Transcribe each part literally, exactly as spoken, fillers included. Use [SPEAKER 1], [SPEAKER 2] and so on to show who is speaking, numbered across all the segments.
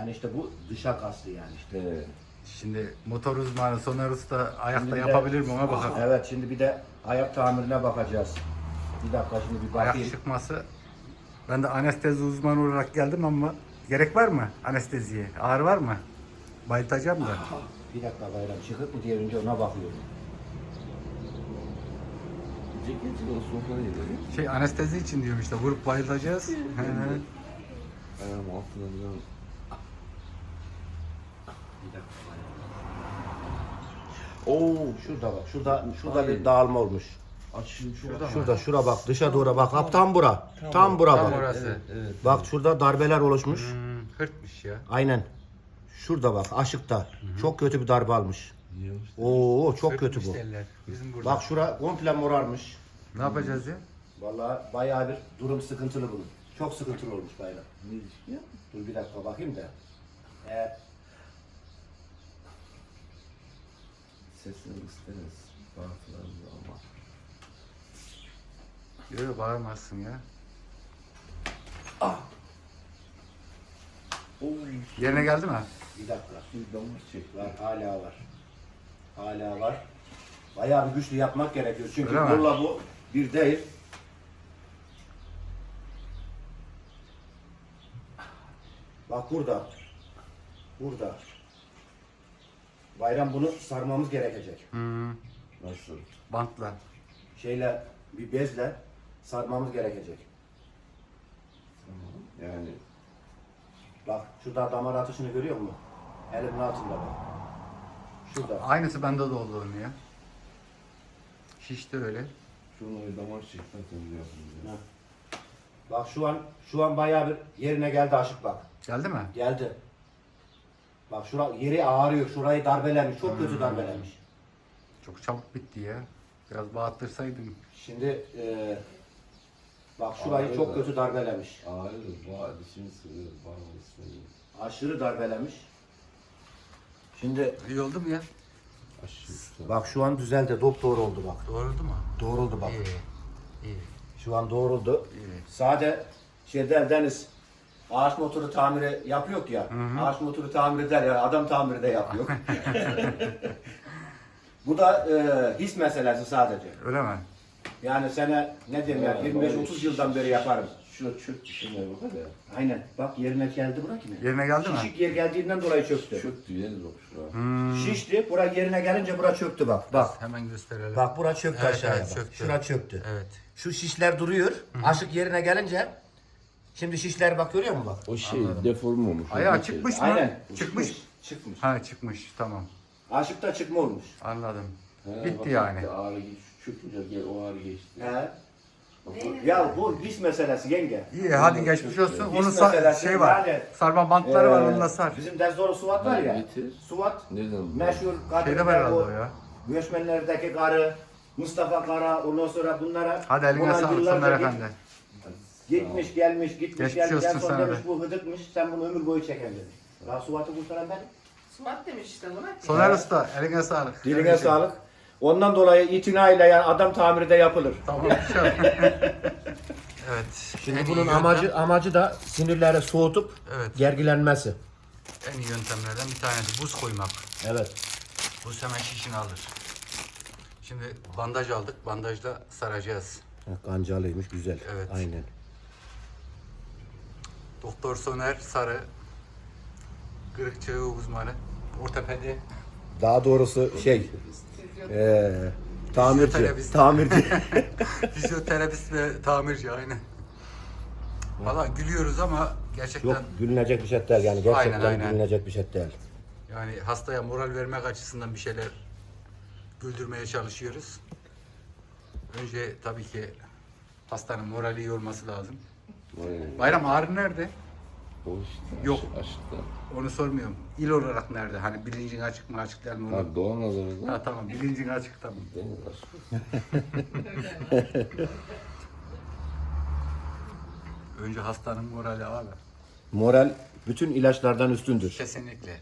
[SPEAKER 1] Yani işte bu dışa kastı yani işte.
[SPEAKER 2] He.
[SPEAKER 3] Şimdi motor uzmanı Soner Usta ayakta
[SPEAKER 1] Şimdi bir de-
[SPEAKER 3] yapabilir mi ona bakalım.
[SPEAKER 1] Evet, şimdi bir de ayak tamirine bakacağız. Bir dakika şimdi bir
[SPEAKER 3] Ayak
[SPEAKER 1] bakayım.
[SPEAKER 3] çıkması. Ben de anestezi uzmanı olarak geldim ama gerek var mı anesteziye? Ağrı var mı? Bayıltacağım da.
[SPEAKER 1] Bir dakika bayram çıkıp mı diye önce ona bakıyorum.
[SPEAKER 2] Ceketi o sofrada yedim.
[SPEAKER 3] Şey anestezi için diyorum işte vurup bayıltacağız. He.
[SPEAKER 2] Ayağım altına biraz.
[SPEAKER 1] Bir dakika bayram.
[SPEAKER 2] Oo.
[SPEAKER 1] Şurada bak, şurada şurada
[SPEAKER 2] Hayır.
[SPEAKER 1] bir dağılma olmuş.
[SPEAKER 2] Açayım şu.
[SPEAKER 3] Şurada mı?
[SPEAKER 1] Şurada şura bak, dışa doğru bak. Hap tam bura. Tam bura
[SPEAKER 3] Tam
[SPEAKER 1] bak.
[SPEAKER 3] orası.
[SPEAKER 2] Evet, evet.
[SPEAKER 1] Bak şurada darbeler oluşmuş.
[SPEAKER 3] Hmm, hırtmış ya.
[SPEAKER 1] Aynen. Şurada bak, aşıkta. Çok kötü bir darbe almış.
[SPEAKER 2] Yiyormuş.
[SPEAKER 1] Oo, çok
[SPEAKER 3] Hırtmış
[SPEAKER 1] kötü bu.
[SPEAKER 3] derler. Bizim burada.
[SPEAKER 1] Bak şura komple morarmış.
[SPEAKER 3] Ne yapacağız ya?
[SPEAKER 1] Vallahi bayağı bir durum sıkıntılı bunun. Çok sıkıntılı olmuş bayram.
[SPEAKER 2] Ne ilişki ya?
[SPEAKER 1] Dur bir dakika bakayım da. Eğer
[SPEAKER 2] Sesini isteriz. Bağırtılarımızı ama.
[SPEAKER 3] Yok bağırmazsın ya.
[SPEAKER 2] Oo.
[SPEAKER 3] Yerine geldi mi?
[SPEAKER 1] bir dakika.
[SPEAKER 2] Bir damar çekti.
[SPEAKER 1] Var, hala var. Hala var. Bayağı bir güçlü yapmak gerekiyor. Çünkü
[SPEAKER 3] Öyle mi?
[SPEAKER 1] kolla bu bir değil. Bak burada. Burada. Bayram bunu sarmamız gerekecek.
[SPEAKER 3] Hmm,
[SPEAKER 2] Nasıl?
[SPEAKER 3] bantla.
[SPEAKER 1] Şeyle, bir bezle sarmamız gerekecek.
[SPEAKER 2] Tamam. Yani
[SPEAKER 1] Bak şurada damar atışını görüyor musun? Elimin altında bak. Şurada.
[SPEAKER 3] Aynısı bende de oldu onun ya. Şişti öyle.
[SPEAKER 2] şunu bir damar çekmek önce yapın.
[SPEAKER 1] Ha. Bak şu an şu an bayağı bir yerine geldi aşık bak.
[SPEAKER 3] Geldi mi?
[SPEAKER 1] Geldi. Bak şura yeri ağrıyor. Şurayı darbelemiş. Çok kötü darbelemiş.
[SPEAKER 3] Çok çabuk bitti ya. Biraz bağırtırsaydım.
[SPEAKER 1] Şimdi e, bak şurayı çok kötü darbelemiş.
[SPEAKER 2] Ağrıyor. Bağır. Dişimi sığıyor. Bağır ismeyi.
[SPEAKER 1] Aşırı darbelemiş. Şimdi
[SPEAKER 3] İyi oldu mu ya?
[SPEAKER 2] Aşırı.
[SPEAKER 1] bak şu an düzeldi. Doktor oldu bak.
[SPEAKER 3] Doğruldu mu?
[SPEAKER 1] Doğruldu bak.
[SPEAKER 3] İyi. İyi.
[SPEAKER 1] Şu an doğruldu.
[SPEAKER 3] İyi.
[SPEAKER 1] Sade şeyden Deniz ağaç motoru tamiri yapıyor ya. Ağaç motoru tamir eder ya. Adam tamiri de yapıyor. Bu da e, his meselesi sadece.
[SPEAKER 3] Öyle mi?
[SPEAKER 1] Yani sene ne diyeyim ya
[SPEAKER 2] Ya,
[SPEAKER 1] yirmi beş
[SPEAKER 2] böyle
[SPEAKER 1] otuz yıldan beri yaparım.
[SPEAKER 2] Şurada çöktü şimdi bak hadi.
[SPEAKER 1] Aynen. Bak yerine geldi bura ki ne?
[SPEAKER 3] Yerine geldi mi?
[SPEAKER 1] Şişik yer geldiğinden dolayı çöktü.
[SPEAKER 2] Çöktü yeriz bak şuraya.
[SPEAKER 3] Hmm.
[SPEAKER 1] Şişti. Bura yerine gelince bura çöktü bak. Bak.
[SPEAKER 3] Hemen gösterelim.
[SPEAKER 1] Bak bura çöktü
[SPEAKER 3] Evet,
[SPEAKER 1] aşağıya
[SPEAKER 3] evet,
[SPEAKER 1] bak.
[SPEAKER 3] çöktü.
[SPEAKER 1] Şura çöktü.
[SPEAKER 3] Evet.
[SPEAKER 1] Şu şişler duruyor. Aşık yerine gelince şimdi şişler bak görüyor musun bak?
[SPEAKER 2] O şey deform olmuş.
[SPEAKER 3] Ayağı
[SPEAKER 2] O şey.
[SPEAKER 3] çıkmış mı?
[SPEAKER 1] Aynen.
[SPEAKER 3] Çıkmış.
[SPEAKER 1] Çıkmış.
[SPEAKER 3] Ha çıkmış. Tamam.
[SPEAKER 1] Aşıkta çıkma olmuş.
[SPEAKER 3] Anladım.
[SPEAKER 2] He,
[SPEAKER 3] Bitti
[SPEAKER 2] bak,
[SPEAKER 3] yani.
[SPEAKER 2] bitti, ağrı geç, çökünce gel o ağrı geçti.
[SPEAKER 1] He. Ya bu his meselesi yenge.
[SPEAKER 3] İyi hadi geçmiş olsun.
[SPEAKER 1] Hiç
[SPEAKER 3] Onun sa-
[SPEAKER 1] meselesi
[SPEAKER 3] şey var.
[SPEAKER 1] yani,
[SPEAKER 3] Sarma bantları var
[SPEAKER 1] Ee,
[SPEAKER 3] onunla sar.
[SPEAKER 1] Bizim Dezdoru Suvat var ya.
[SPEAKER 2] Getir.
[SPEAKER 1] Suvat
[SPEAKER 2] Nereden?
[SPEAKER 1] meşhur
[SPEAKER 3] Şeyde var herhalde o ya.
[SPEAKER 1] göçmenlerdeki karı Mustafa Kara ondan sonra bunlara
[SPEAKER 3] Hadi eline
[SPEAKER 1] bunlar
[SPEAKER 3] sağlık
[SPEAKER 1] yıllarca
[SPEAKER 3] Soner
[SPEAKER 1] git-
[SPEAKER 3] Efendi.
[SPEAKER 1] Gitmiş gelmiş gitmiş
[SPEAKER 3] Geçmiş
[SPEAKER 1] gelmiş en
[SPEAKER 3] olsun
[SPEAKER 1] son
[SPEAKER 3] sana
[SPEAKER 1] demiş
[SPEAKER 3] be.
[SPEAKER 1] bu hıdıkmış sen bunu ömür boyu çeken demiş. Daha Suvat'ı kurtaran benim.
[SPEAKER 4] Suat demiş işte buna.
[SPEAKER 3] Soner Usta eline sağlık.
[SPEAKER 1] Diline
[SPEAKER 3] Kardeşim.
[SPEAKER 1] sağlık. Ondan dolayı itinayla yani adam tamiri de yapılır.
[SPEAKER 3] Tamam. Evet.
[SPEAKER 1] Şimdi
[SPEAKER 3] en iyi
[SPEAKER 1] bunun
[SPEAKER 3] yöntem-
[SPEAKER 1] amacı amacı da sinirleri soğutup
[SPEAKER 3] Evet.
[SPEAKER 1] gergilenmesi.
[SPEAKER 3] En iyi yöntemlerden bir tanesi buz koymak.
[SPEAKER 1] Evet.
[SPEAKER 3] Buz hemen şişini alır. Şimdi bandaj aldık. Bandajla saracağız.
[SPEAKER 1] Kancalıymış güzel.
[SPEAKER 3] Evet.
[SPEAKER 1] Aynen.
[SPEAKER 3] Doktor Soner Sarı. Kırık çağı uzmanı. Ortopedi.
[SPEAKER 1] Daha doğrusu şey eee tamirci.
[SPEAKER 3] Fizyoterapist.
[SPEAKER 1] Tamirci.
[SPEAKER 3] Fizyoterapist ve tamirci aynen. Valla gülüyoruz ama gerçekten
[SPEAKER 1] Yok gülünecek bir şey değil yani gerçekten
[SPEAKER 3] Aynen, aynen.
[SPEAKER 1] gülünecek bir şey değil.
[SPEAKER 3] yani hastaya moral vermek açısından bir şeyler güldürmeye çalışıyoruz. Önce tabii ki hastanın morali iyi olması lazım.
[SPEAKER 2] Vay.
[SPEAKER 3] Bayram ağrı nerede?
[SPEAKER 2] O işte.
[SPEAKER 3] Yok.
[SPEAKER 2] Aş, aşkta.
[SPEAKER 3] Onu sormuyorum. İl olarak nerede? Hani bilincin açık mı açık değil mi? Onu...
[SPEAKER 2] Ha Doğu Anadolu'da.
[SPEAKER 3] Ha tamam bilincin açık tamam.
[SPEAKER 2] Deniz aşkı.
[SPEAKER 3] Önce hastanın morali abi.
[SPEAKER 1] Moral bütün ilaçlardan üstündür.
[SPEAKER 3] Kesinlikle.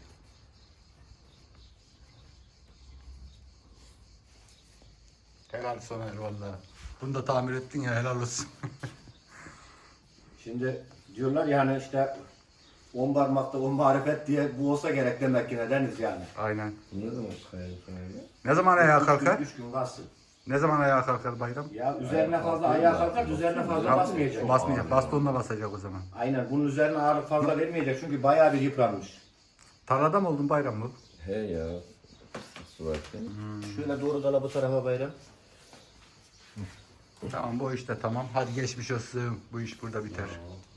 [SPEAKER 3] Helal Soner valla. Bunu da tamir ettin ya helal olsun.
[SPEAKER 1] Şimdi diyorlar yani işte on parmakta on marifet diye bu olsa gerek demek ki nedeniz yani.
[SPEAKER 3] Aynen.
[SPEAKER 2] Bu ne zaman çıkıyor yukarıya?
[SPEAKER 3] Ne zaman ayağa
[SPEAKER 1] Üç
[SPEAKER 3] kalkar?
[SPEAKER 1] gün, üç gün kalsın.
[SPEAKER 3] Ne zaman ayağa kalkar bayram?
[SPEAKER 1] Ya üzerine fazla ayağa kalkar, üzerine fazla basmayacak.
[SPEAKER 3] Basmayacak. Bastonla basacak o zaman.
[SPEAKER 1] Aynen, bunun üzerine ağırlık fazla vermeyecek çünkü bayağı bir yıpranmış.
[SPEAKER 3] Tarlada mı oldun bayram mı?
[SPEAKER 2] He ya. Su varken.
[SPEAKER 1] Şöyle doğru dala bu tarafa bayram.
[SPEAKER 3] Tamam bu işte tamam. Hadi geçmiş olsun. Bu iş burada biter.